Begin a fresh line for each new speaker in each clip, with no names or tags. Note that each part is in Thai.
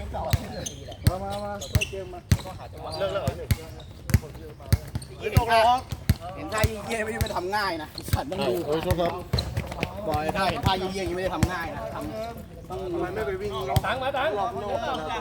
มาช่วยเกมมาเลิกแล้วเห็นท่าเยี่ยไม่ได้ทำง่ายนะสัตว์ต้องดูบ่อยถ้าเห็นท่าเยี่ยไม่ได้ทำง่ายนะทำต้องทำไมไม่ไปวิ่งตังมาตังรอบนอก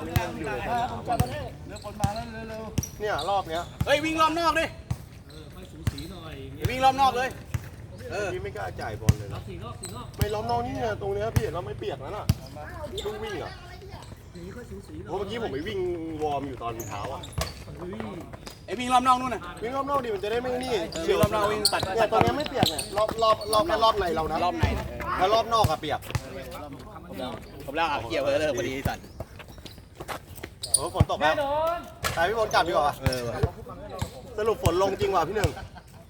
เนี่ยรอบเนี้ยเฮ้ยวิ่งรอบนอกดิวิ่งรอบนอกเลยพี่ไม่กล้าจ่ายบอลเลยนะไม่ล้อมนอกนี่เนี่ยตรงเนี้ยพี่เห็นเราไม่เปียกแล้วน่ะต้องวิ่งอ่ะเพราะเมื่อกี้ผมไปวิ่งวอร์มอยู่ตอนเช้าอ่ะไอ้วิ่งรอบนอกนู่นน่ะวิ่งรอบนอกดิมันจะได้ไม่นี่วิ่งรอบนอกวิ่งตัดเนี่ยตรงนี้ไม่เปียกเนี่ยรอบในเรานะรอบในแล้วรอบนอกอะเปียกผมเล่าเกี่ยวเลยพอดีสัตว์ฝนตกแล้วตายพี่บอลกลับดีกว่าสรุปฝนลงจริงว่ะพี่หนึ่ง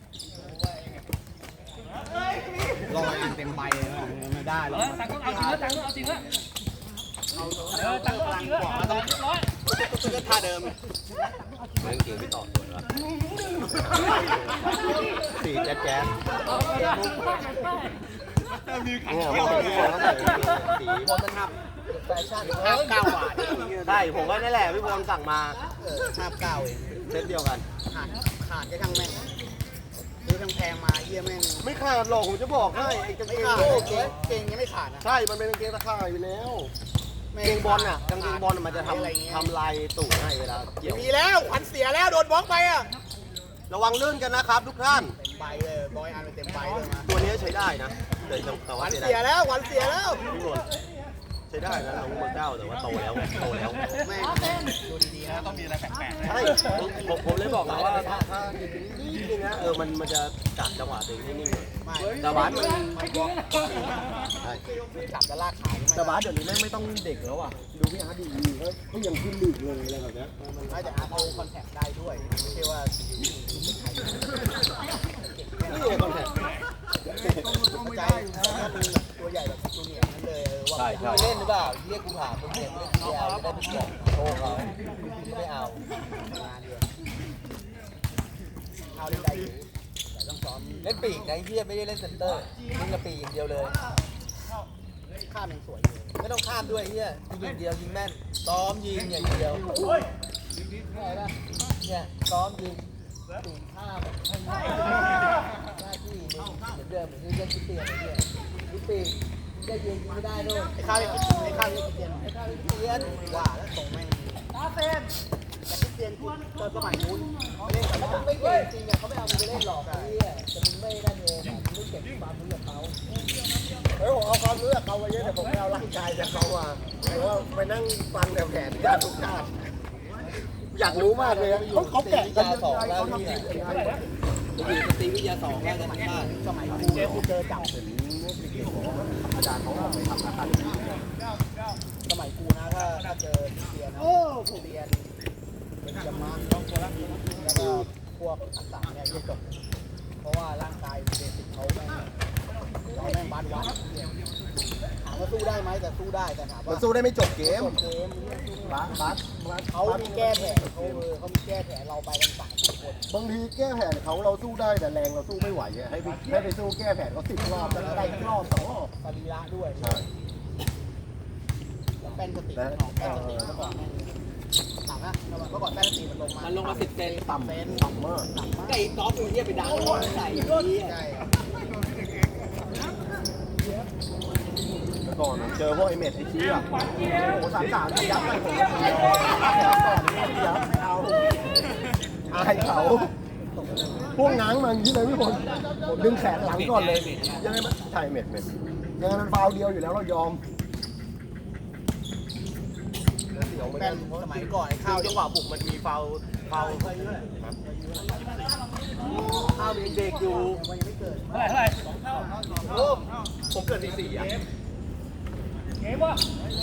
รอเต็มใบไม่ได้หรอกตังค์เอาจริงแล้วตังค์เอาจริงแล้วตังค์เอาจริงแล้วร้อยก็ท่าเดิมเรื่องจริงไม่ต่อส่วนละสีแจ๊ดเนี่ยมองที่บอลเขาใส่สีบอลมันหักแฟชั่น59 บาทใช่ผมก็นี่แหละพี่บอลสั่งมา59เองเซตเดียวกันขาดแค่ทั้งแม่งซื้อทั้งแพงมาเยี่ยแม่งไม่ขาดหรอกผมจะบอกให้ไอ้กางเกงเกงยังไม่ขาดนะใช่มันเป็นกางเกงตะข่ายอยู่แล้วกางเกงบอลน่ะกางเกงบอลมันจะทำลายตูดให้เวลาเกี่ยวมีแล้วขวัญเสียแล้วโดนบล็อกไปอ่ะระวังลื่นกันนะครับทุกท่านเต็มใบเลยบอยอันเต็มใบเลยมาตัวนี้ใช้ได้นะแต่ว่าขวัญเสียแล้วขวัญเสียแล้วพี่บอลใช้ได้นะน้องเบอร์9แต่ว่าโตแล้วแม่ดูดีๆนะต้องมีอะไรแปลกๆใช่ผมเลยบอกแล้วว่าถ้านิดนึงนะมันจะจับจังหวะตัวเองให้นิ่งเลยแต่บาสมันจับจะลากขาแต่บาสเดี๋ยวนี้แม่งไม่ต้องเด็กแล้วอ่ะดูพี่อาร์ตดีเขายังขึ้นลีกเลยอะไรแบบนี้ไม่แต่อาร์ตเอาคอนแทคได้ด้วยไม่ใช่ว่านี่ไงคอนแทคใจตัวใหญ่แบบตัวเหนียวนั่นเลยว่าเล่นหรือเปล่าเรียกกูผ่าตัวเหนียวเล่นเดียวได้ทุกอย่างโชว์เขาไม่เอางานเดียวเอาเล่นได้อยู่แต่ต้องซ้อมเล่นปีกนะเฮียไม่ได้เล่นเซนเตอร์เล่นกระปีอย่างเดียวเลยข้ามยังสวยไม่ต้องข้ามด้วยเฮียยิงอย่างเดียวยิงแม่นซ้อมยิงอย่างเดียวเนี่ยซ้อมยิงปีกข้ามให้หน้าที่เหมือนเดิมเหมือนที่เล่นที่เตียนไอ้เฮียที่ปีกได้ยิงไม่ได้ด้วยไอ้ข้าวเตียนว่าแล้วส่งแม่งตาเซนแต่ที่เตียนตอนสมัยนู้นเล่นแต่ไม่เก่งจริงอ่ะเขาไม่เอามึงไปเล่นหรอกไอ้เหี้ยแต่มึงไม่ได้เองมึงเก็บความรู้จากเขาผมเอาความรู้จากเขาไว้เยอะแต่ผมไม่เอาร่างกายจากเขาอ่ะแต่ว่าไปนั่งฟังแต่แผนการทุกชาติอยากรู้มากเลยเขาแกะกันยังไงเขาทำยังไงอยู่ตีวิทยา2แล้วกันชาติสมัยกูเจอจับถึงอาจารย์เขาไปทำอาคาเดมี่สมัยกูนะถ้าเจอเรียนนะเรียนเป็นจำมาต้องตัวละแล้วก็พวกอักษรเนี่ยจะจบเพราะว่าร่างกายเบสิกเขาแม่งบานวัดถามว่าสู้ได้ไหมแต่สู้ได้แต่ถามว่าสู้ได้ไม่จบเกมบัสเขามีแก้แผนเขามีแก้แผนเราไปกัน30 คนบางทีแก้แผนเขาเราสู้ได้แต่แรงเราสู้ไม่ไหวให้ไปสู้แก้แผนเขา10 รอบแล้วได้รอบ2 รอบสรีระด้วยใช่แล้วแป้นสติเมื่อก่อนต่ำนะเมื่อก่อนแป้นสติมันลงมา10 เซนต่ำมากไก่กอล์ฟตัวนี้ไปดังใส่ใช่ก่อนเจอพวกไอเมดไอชี้อ่ะโอ้33ยับไปผมยับไม่เอาอายเขาพวกง้างมันที่ไหนพี่บอลผมดึงแขนหลังก่อนเลยยังไงมันใช่เมดยังไงมันฟาวเดียวอยู่แล้วเรายอมเป็นสมัยก่อนไอ้ข้าวจังหวะบุกมันมีฟาวข้าวเป็นเด็กอยู่เท่าไหร่ผมเกิด4 อ่ะเก๋ป่ะ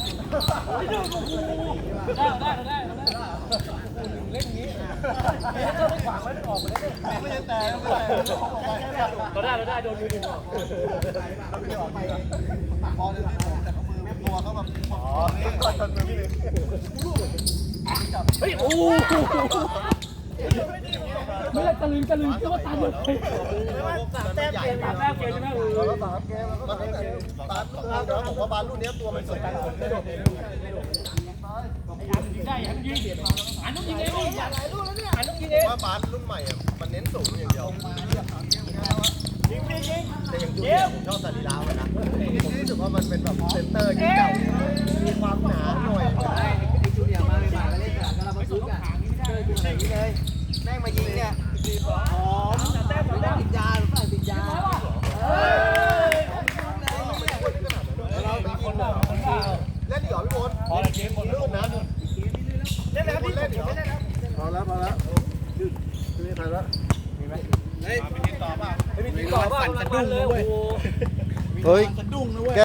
ได้เล่นงี้ก็ไม่ขวางไม่ออกมาได้ไม่ได้แต่เราได้โดนมือดึงออกเขาไม่ออกไปปากคอเลยแต่เขามือตัวเขาแบบอ๋อก่อนชนมือพี่เฮ้ยโอ้ไม่ได้ตะลึงก็ว่าตาหมดเลย3 แต้มเกมใช่ไหม3 เกมแล้วก็3 เกมแล้วก็3 เกมบาสเดี๋ยวผมว่าบาสรุ่นนี้ตัวมันสวยได้โดด
ว่าบาสรุ่นใหม่อ่ะมันเน้นสูงอย่างเดียวแต่อย่างจูเนียร์ผมชอบสรีระมันนะผมรู้สึกว่ามันเป็นแบบเซนเตอร์ที่เก่ามีความหนาหน่อย
ไอ้จูเนียร์มาใหม่ๆก็เล่นสนามกาลาบาซุกอ่ะเจอจูเนียร์นี้เลยแม่งมายิงเนี่ยหอมไม่ได้ติดยาหรือเปล่าติดยา
เราไปกินเหรอเล่นดีเหรอพี่บอลพอแล้วเกมหมดแล้วนะเล่นแล้วพี่เล่นเหรอพอแล้วนี่ใครละมีไหมเฮ้ยมีติดต่อเปล่าไม่มีติดต่อเปล่าสั่นสะดุ้งเลยเฮ้ยสะดุ้งนะเว้ย